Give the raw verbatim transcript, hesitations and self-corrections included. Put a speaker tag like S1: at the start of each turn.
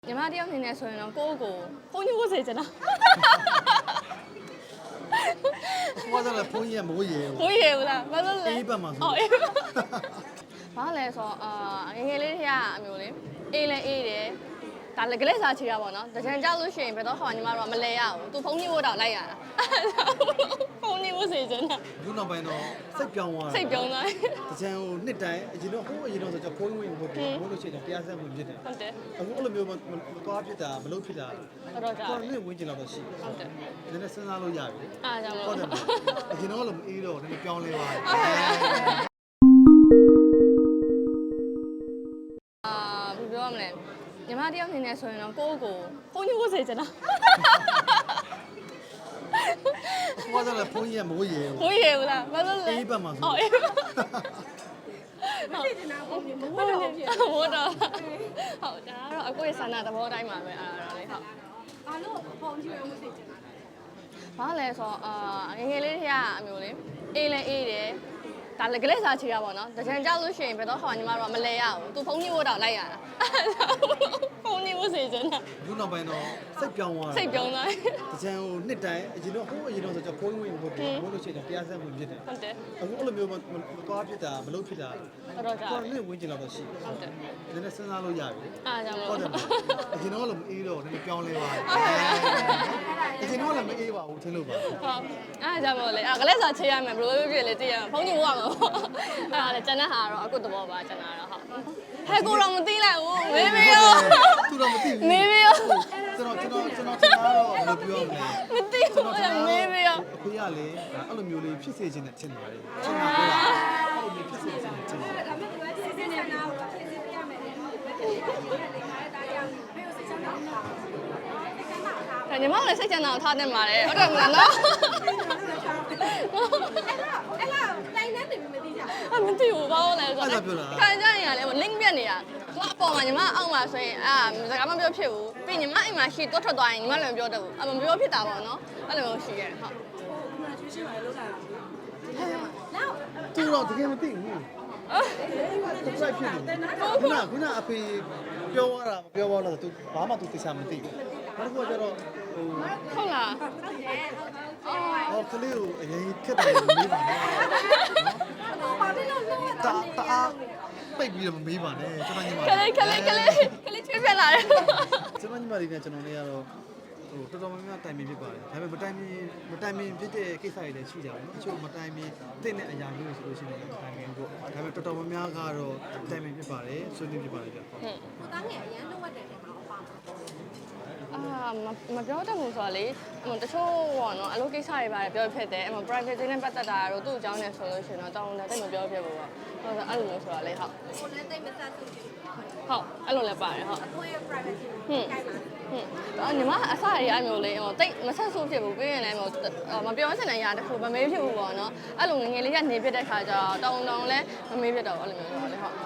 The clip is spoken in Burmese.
S1: ညီမတယောက်နေနေဆိုရင်တော့ကိုယ့်ကိုဖုန်းကြီးဖို့စေချင်တာ
S2: ဘာသာလဲဖုန်းကြီးကမိုးရေ
S1: မိုးရေဘူးလားဘာလို့လဲ
S2: အေးပတ်မှာဆို
S1: အော်အေးဘာလဲဆိုတော့အာငငယ်လေးတွေကအမျိုးလေးအေးလဲအေးတယ်ဒါလည်းကလေးစားချီတာပေါ့နော်တကြံကြောက်လို့ရှိရင်ဘယ်တော့ဟောညီမတို့ကမလဲရဘူးသူဖုန်းကြီးဖို့တော့လိုက်ရတာဖုန်းကြီးဖို့စေချင်တာ
S2: အခုနောက်ပိုင်းတော့စိတ်ပြောင်းသွား
S1: စိတ်ပြောင်းသွား
S2: တကြံဟိုနှစ်တိုင်းအရင်တော့ဟိုအရင်တော့ဆိုတော့ဖုန်းဝင်ဖို့ဘိုးလို့ရှိရင်တရားစက်ဝင်ဖြစ်တယ်
S1: ဟုတ်တယ်
S2: အခုအဲ့လိုမျိုးမသွားဖြစ်တာမလုပ်ဖြစ်တာ
S1: တော့ကြာ
S2: တော့လည်းဝင်ကျင်တော့ရှိ
S1: ဟုတ်တယ်
S2: နည်းနည်းစဉ်းစားလို့ရပြီ
S1: အားကြောင့်
S2: ဟုတ်တယ်အရင်တော့လည်းမအေးတော့နည်းနည်းပြောင်းလဲသွားတယ်
S1: အာဘယ်ပြောမလဲညီမတယောက်နေနေဆိုရင်တော့ကိုယ့်ကိုဖုန်းကြီးဖို့စေချင်တာ
S2: ဘာသာလဲဖုန်းကြီးကမိုးရေ
S1: မိုးရေဘူးလားဘာလို့လဲ
S2: အေးပတ်မှာဆို
S1: အော်အေးဟုတ်စေချင်တာဖုန်းကြီးမိုးတော့ဖြစ်မိုးတော့ဟုတ်ဒါကတော့အကိုရဲ့ဆန္ဒသဘောတိုင်းပါပဲအဲ့ဒါတော့လေဟုတ်
S3: ဘာလို့ဖုန်းကြီးမိုးစေချင်တာ
S1: ဘာလဲဆိုတော့အာငငယ်လေးတွေကအမျိုးလေးအေးလဲအေးတယ်ဒါလည်းကလေးစားချီတာပေါ့နော်တကြံကြောက်လို့ရှိရင်ဘယ်တော့ဟောညီမတို့ကမလဲရဘူးသူဖုန်းကြီးဖို့တော့လိုက်ရတာဖုန်းကြီးဖို့စေချင်တာ
S2: အခုနောက်ပိုင်းတော့စိတ်ပြောင်းသွား
S1: စိတ်ပြောင်းသွား
S2: တကြံဟိုနှစ်တိုင်းအရင်တော့ဟိုအရင်တော့ဆိုတော့ဖုန်းဝင်ဖို့ဘိုးလို့ရှိရင်တရားစက်ဝင်ဖြစ်တယ်
S1: ဟုတ်တယ်
S2: အခုအဲ့လိုမျိုးမသွားဖြစ်တာမလုပ်ဖြစ်တာ
S1: တော့ကြာ
S2: တော့လည်းဝင်ကျင်တော့ရှိ
S1: ဟုတ်တယ်
S2: နည်းနည်းစဉ်းစားလို့ရပြီ
S1: အားကြောင့်
S2: ဟုတ်တယ်အရင်တော့လည်းမအေးတော့နည်းနည်းပြောင်းလဲသွားတယ်အရင်တော့လည်းမအေးပါဘူးထင်လို့ပါ
S1: ဟုတ်အားကြောင့်မို့လေအဲ့ကလေးစားချေးရမယ်ဘယ်လိုဖြစ်လဲသိရမှာဖုန်းကြီးဖို့ရမှာပေါ့အဲ့ဒါလည်းကျန်တဲ့ဟာတော့အခုသဘောပါကျန်တာတော့ဟုတ်ဟဲ့ကိုတော့မသိလိုက်ဘူးမေးမေးရော
S2: သူတော့မသိဘူး
S1: မေးမေးရော
S2: ကျွန်တော်ကျွန်တော်ကျွန်တော်ကျွန်တော်တော့ဘယ်လိုပြောမလဲ
S1: မသိဘူးအဲ့မေးမေးရော
S2: အဖေကလေအဲ့လိုမျိုးလေးဖြစ်စေခြင်းနဲ့ထင်ပါတယ်ထင်တာပြောတာအဲ့လိုမျိုးဖြစ်စေခြင်းနဲ့ထင်တယ်
S3: ဒါပေမဲ့ဒီစီစဉ်နေတာကိုဖြည့်ဆည်းပြရမယ်လေဘယ်လိုလဲလေခါတဲ့တားရအောင်ဘယ်လိုစိတ်ချမ်းသာအောင်
S1: ဒါညီမလည်းစိတ်ချမ်းသာအောင်ထားတင်ပါတယ်ဟုတ်တယ်မလားနော်
S3: အဲ့လားတိုင်းနေတယ်မသိကြ
S1: အမသိဘူးဘာလို့လဲဆိုတော့ခံကြရင်ရတယ် link ပြက်နေတာသူအပေါ်မှာညီမအောက်မှာဆိုရင်အာစကားမပြောဖြစ်ဘူးပြီးညီမအိမ်မှာရှိတော့ထွက်သွားရင်ညီမလည်းမပြောတတ်ဘူးအမပြောဖြစ်တာပေါ့နော်အဲ့လိုမျိုးရှိရတယ်ဟုတ်
S3: ကျွေးရှင်းပါလေလောက်တာနောက်
S2: သူတော့တကယ်မသိဘူးသူစိုက်ဖြစ်တယ်ခုနခုနအဖေပြောရတာမပြောပါတော့သူဘာမှသူသိစားမသိဘူးနောက်တစ်ခုကကျတော့ဟို
S1: ဟုတ်လား
S2: အော်ကလေးကိုအရင်ခက်တယ်မေးပါနဲ့
S3: နော်ဘာဖြစ်လို့လို့
S2: တာတာပိတ်ပြီးတော့မမေးပါနဲ့ကျွန်တော်ညီမ
S1: ကလေးကလေးကလေးကလေးချွေးပြလာတယ်
S2: ကျွန်တော်ညီမလေးနဲ့ကျွန်တော်လေးကတော့ဟိုတော်တော်များများတိုင်ပင်ဖြစ်ပါတယ်ဒါပေမဲ့မတိုင်ပင်မတိုင်ပင်ဖြစ်တဲ့ကိစ္စတွေလည်းရှိကြတယ်နော်အချို့မတိုင်ပင်တဲ့နဲ့အရာမျိုးဆိုလို့ရှိရင်တိုင်ပင်ပေါ့ဒါပေမဲ့တော်တော်များများကတော့တိုင်ပင်ဖြစ်ပါတယ်ဆွေးနွေးဖြစ်ပါတယ်ဗျဟုတ်
S3: ဟိုသားငယ်အရန်လုံးဝတယ်တယ်မှာပါ
S1: အာမပြောတတ်ဘူးဆိုတော့လေတချို့ပေါ့နော်အလုပ်ကိစ္စတွေပါတယ်ပြောဖြစ်တယ်အမ private နဲ့ပတ်သက်တာတော့သူ့အကြောင်းနဲ့ဆိုလို့ရှိရင်တော့တောင်းတယ်တိတ်မပြောဖြစ်ဘူးပေါ့ဟုတ်ကဲ့အဲ့လိုမျိုးဆိုတော့လေဟုတ်
S3: ကိုလည်းတိတ်မဆက်သူဖြစ်
S1: ဟုတ်အဲ့လိုလည်းပါတယ်ဟုတ်
S3: အကိုရဲ့ private
S1: ဟွန်းဟွန်းအော်ညီမအစရအမျိုးလေးဟိုတိတ်မဆက်ဆိုးဖြစ်ဘူးပြီးရင်လည်းဟိုမပြောချင်တဲ့အရာတစ်ခုမမေးဖြစ်ဘူးပေါ့နော်အဲ့လိုငငယ်လေးကနေဖြစ်တဲ့ခါကျတော့တောင်းတောင်းလည်းမမေးဖြစ်တော့အဲ့လိုမျိုးဆိုတော့လေဟုတ်